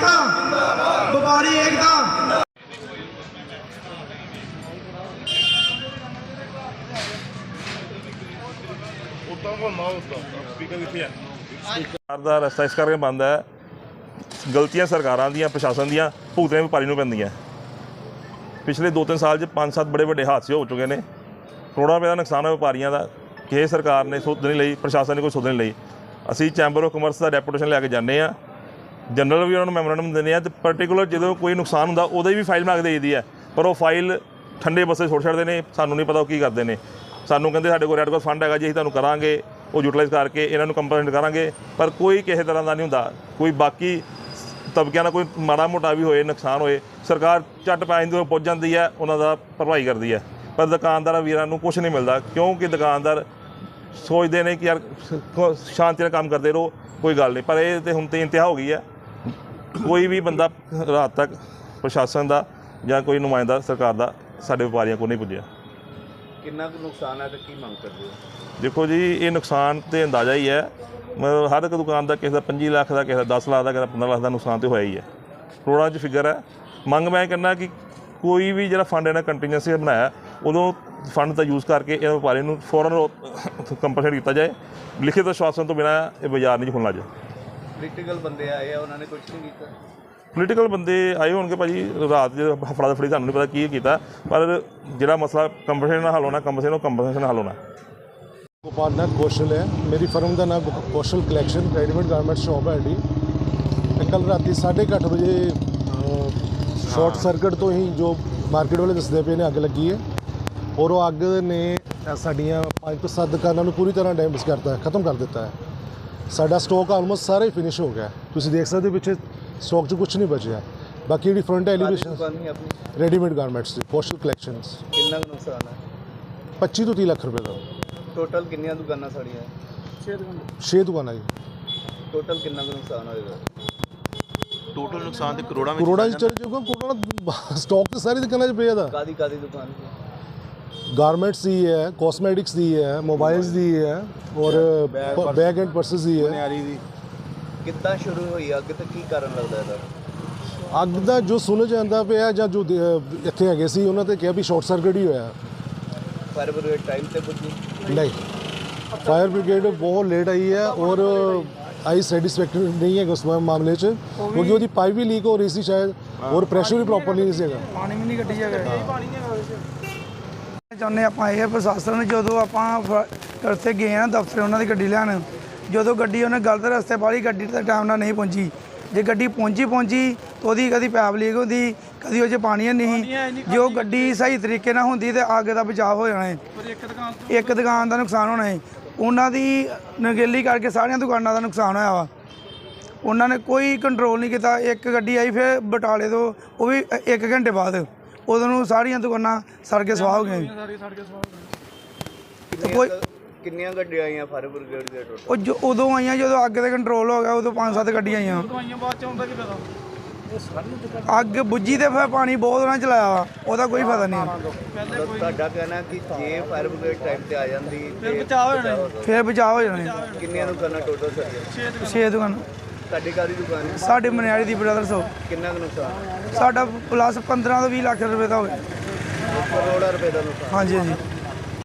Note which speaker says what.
Speaker 1: एकता, व्यापारी एकता।
Speaker 2: सरकार का रस्ता इस करके बंद है, गलतियां सरकारां दियां प्रशासन दियां भुगतने व्यापारी नूं पैंदियां। पिछले 2-3 साल 5-7 बड़े बड़े हादसे हो चुके हैं, करोड़ों रुपए का नुकसान है व्यापारियों का। कि सरकार ने सुध नहीं लई, प्रशासन ने कोई सुध नहीं लई। असीं चैंबर ऑफ कमर्स का डेपूटेशन लैके जाने आ, जनरल भी उन्होंने मैमोरेंडम देने तो पर्टिकुलर जो कोई नुकसान होंदा उहदी भी फाइल बना के दे दी है, पर वो फाइल ठंडे बस्से छोड़ छड्डदे ने। सानूं नहीं पता वो की करते हैं। सानूं कहंदे साडे कोल रैड क्रॉस फंड हैगा जी, असीं तुहानूं करांगे, वो यूटिलाइज़ करके इन्हां नूं कंपलेंट करांगे, पर कोई किसी तरह का नहीं हुंदा। कोई बाकी तबकिਆਂ ਦਾ कोई माड़ा मोटा भी होए नुकसान होए, सरकार झट पैसे दे पहुँच जाती है, उन्हां दा भरपाई करती है। पर दुकानदार वीरां नूं कुछ नहीं मिलता, क्योंकि दुकानदार सोचते हैं कि यार शांति नाल काम करते रहो, कोई गल नहीं। पर ये तो हुण ते इंतहा हो गई है। कोई भी बंदा रात तक प्रशासन का या कोई नुमाइंदा सरकार का साडे व्यापारियों को नहीं पुज्जिया।
Speaker 3: कितना नुकसान है तो की मांग करते हो?
Speaker 2: देखो जी, ये नुकसान तो अंदाज़ा ही है, मतलब हर एक दुकान का किसी का 25 लाख का, किसी का 10 लाख का, किसी का 15 लाख का नुकसान तो होया ही है। करोड़ों च फिगर है। मंग मैं कहना कि कोई भी जो फंड इन्हें कंटीन्यूअसली बनाया, उदों फंड का यूज़ करके इन व्यापारी नूं फौरन कंपनसेट किया जाए। लिखित आश्वासन तो बिना ये बाजार नहीं खुलना जाए।
Speaker 3: पोलीटिकल बंदे आए उन्होंने कुछ नहीं किया?
Speaker 2: पोलीटिकल बंदे आए होंगे भाजी, रात जो फड़ा दफड़ी सानूं नहीं पता की किया, पर जो मसला कंपनसेशन हल होना, कंपनसेशन हल होना।
Speaker 4: गोपाल नाथ कौशल है, मेरी फर्म का नाम Kaushal collection readymade garment shop है जी। कल रात 8:30 बजे शॉर्ट सर्किट तो ही जो मार्केट वाले दसदे पे ने अग लगी है, और वो अग ने साड़ियाँ 5 ਤੋਂ 7 दुकानों पूरी तरह डैमेज करता है, ख़त्म कर देता है। साडा स्टॉक ऑलमोस्ट सारा ही फिनिश हो गया। तुसीं देख सकते हो पिछे स्टॉक च कुछ नहीं बचा। बाकी जी front elevation readymade garments Kaushal collections.
Speaker 3: कितना नुकसान है?
Speaker 4: 25 ਤੋਂ 30 ਲੱਖ रुपए का।
Speaker 3: टोटल कितनी दुकाना साड़ियाँ?
Speaker 4: 6 दुकाना जी।
Speaker 3: टोटल कितना नुकसान होएगा?
Speaker 5: टोटल नुकसान तो करोड़ा
Speaker 4: च चल जाऊगा। करोड़ा स्टॉक तो सारी दुकाना च पिया था।
Speaker 3: कादी दुकान?
Speaker 4: गारमेंट्स दी है, कॉस्मेटिक्स दी है, मोबाइल्स दी है, और बैग एंड पर्सेस दी है।
Speaker 3: कितना शुरू हुई अग तो की कारण लगता है?
Speaker 4: ਅੱਗ ਦਾ ਜੋ ਸੁਣ ਜਾਂਦਾ ਪਿਆ ਜਾਂ ਜੋ ਇੱਥੇ ਹੈਗੇ ਸੀ ਉਹਨਾਂ ਤੇ ਕਿਹਾ ਵੀ ਸ਼ਾਰਟ ਸਰਕਟ ਹੀ ਹੋਇਆ।
Speaker 3: फायर ब्रिगेड टाइम से पुजी
Speaker 4: नहीं, फायर ब्रिगेड बहुत लेट आई है और आई सैटिस्फैक्टरी नहीं है उस मामले च, क्योंकि वो पाइप भी लीक हो रही थी शायद, और प्रेशर भी प्रॉपरली नहीं ਸੀਗਾ।
Speaker 1: पानी भी नहीं कटी जाएगा। ਚਾਹੁੰਦੇ ਆਪਾਂ ਇਹ ਪ੍ਰਸ਼ਾਸਨ ਜਦੋਂ ਆਪਾਂ ਰਸਤੇ ਗਏ ਨਾ ਦਫ਼ਤਰ ਉਹਨਾਂ ਦੀ ਗੱਡੀ ਲੈਣ, ਜਦੋਂ ਗੱਡੀ ਉਹਨੇ ਗਲਤ ਰਸਤੇ ਪਾਲੀ, ਗੱਡੀ ਤਾਂ ਟਾਈਮ ਨਾਲ ਨਹੀਂ ਪਹੁੰਚੀ। ਜੇ ਗੱਡੀ ਪਹੁੰਚੀ ਤਾਂ ਉਹਦੀ ਕਦੀ ਪੈਪ ਲੀਕ ਹੁੰਦੀ, ਕਦੀ ਉਹ 'ਚ ਪਾਣੀ ਨਹੀਂ। ਜੇ ਉਹ ਗੱਡੀ ਸਹੀ ਤਰੀਕੇ ਨਾਲ ਹੁੰਦੀ ਤਾਂ ਅੱਗ ਦਾ ਬਚਾਅ ਹੋ ਜਾਣਾ ਹੈ। ਇੱਕ ਦੁਕਾਨ ਦਾ ਨੁਕਸਾਨ ਹੋਣਾ ਹੈ। ਉਹਨਾਂ ਦੀ ਨਗੇਲੀ ਕਰਕੇ ਸਾਰੀਆਂ ਦੁਕਾਨਾਂ ਦਾ ਨੁਕਸਾਨ ਹੋਇਆ ਵਾ। ਉਹਨਾਂ ਨੇ ਕੋਈ ਕੰਟਰੋਲ ਨਹੀਂ ਕੀਤਾ। ਇੱਕ ਗੱਡੀ ਆਈ ਫਿਰ ਬਟਾਲੇ ਤੋਂ, ਉਹ ਵੀ 1 ਘੰਟੇ ਬਾਅਦ, ਉਦੋਂ ਨੂੰ ਸਾਰੀਆਂ ਦੁਕਾਨਾਂ ਸੜ ਕੇ ਸਵਾਹ ਹੋ ਗਈਆਂ। ਕੋਈ
Speaker 3: ਕਿੰਨੀਆਂ ਗੱਡੀਆਂ ਆਈਆਂ ਫਾਇਰ ਬ੍ਰਿਗੇਡ ਦੇ ਟੋਟਲ?
Speaker 1: ਉਹ ਜੋ ਉਦੋਂ ਆਈਆਂ ਜਦੋਂ ਅੱਗ 'ਤੇ ਕੰਟਰੋਲ ਹੋ ਗਿਆ, ਉਦੋਂ 5-7 ਗੱਡੀਆਂ ਆਈਆਂ। ਅੱਗ ਬੁੱਝੀ ਤੇ ਫਿਰ ਪਾਣੀ ਬਹੁਤ ਉਹਨਾਂ ਚਲਾਇਆ ਵਾ, ਉਹਦਾ ਕੋਈ ਫਾਇਦਾ ਨਹੀਂ।
Speaker 3: ਤੁਹਾਡਾ ਕਹਿਣਾ ਕਿ ਜੇ ਫਾਇਰ ਬ੍ਰਿਗੇਡ ਟਾਈਮ ਤੇ ਆ ਜਾਂਦੀ
Speaker 1: ਫਿਰ ਬਚਾਅ ਹੋ ਜਾਣਾ।
Speaker 3: ਕਿੰਨੀਆਂ ਦੁਕਾਨਾਂ ਟੋਟਲ ਸਾਡੀਆਂ?
Speaker 1: 6 ਦੁਕਾਨਾਂ।
Speaker 3: ਤੁਹਾਡੀ ਕਾਹਦੀ ਦੁਕਾਨ ਹੈ?
Speaker 1: ਸਾਡੇ ਮਨਿਆਰੀ ਦੀ ਬ੍ਰਦਰਸ ਹੋ।
Speaker 3: ਕਿੰਨਾ ਕੁ ਨੁਕਸਾਨ?
Speaker 1: ਸਾਡਾ ਪਲੱਸ 15 ਤੋਂ 20 ਲੱਖ ਰੁਪਏ ਦਾ ਹੋ ਗਿਆ।
Speaker 3: ਕਰੋੜਾਂ ਰੁਪਏ ਦਾ ਨੁਕਸਾਨ।
Speaker 1: ਹਾਂਜੀ।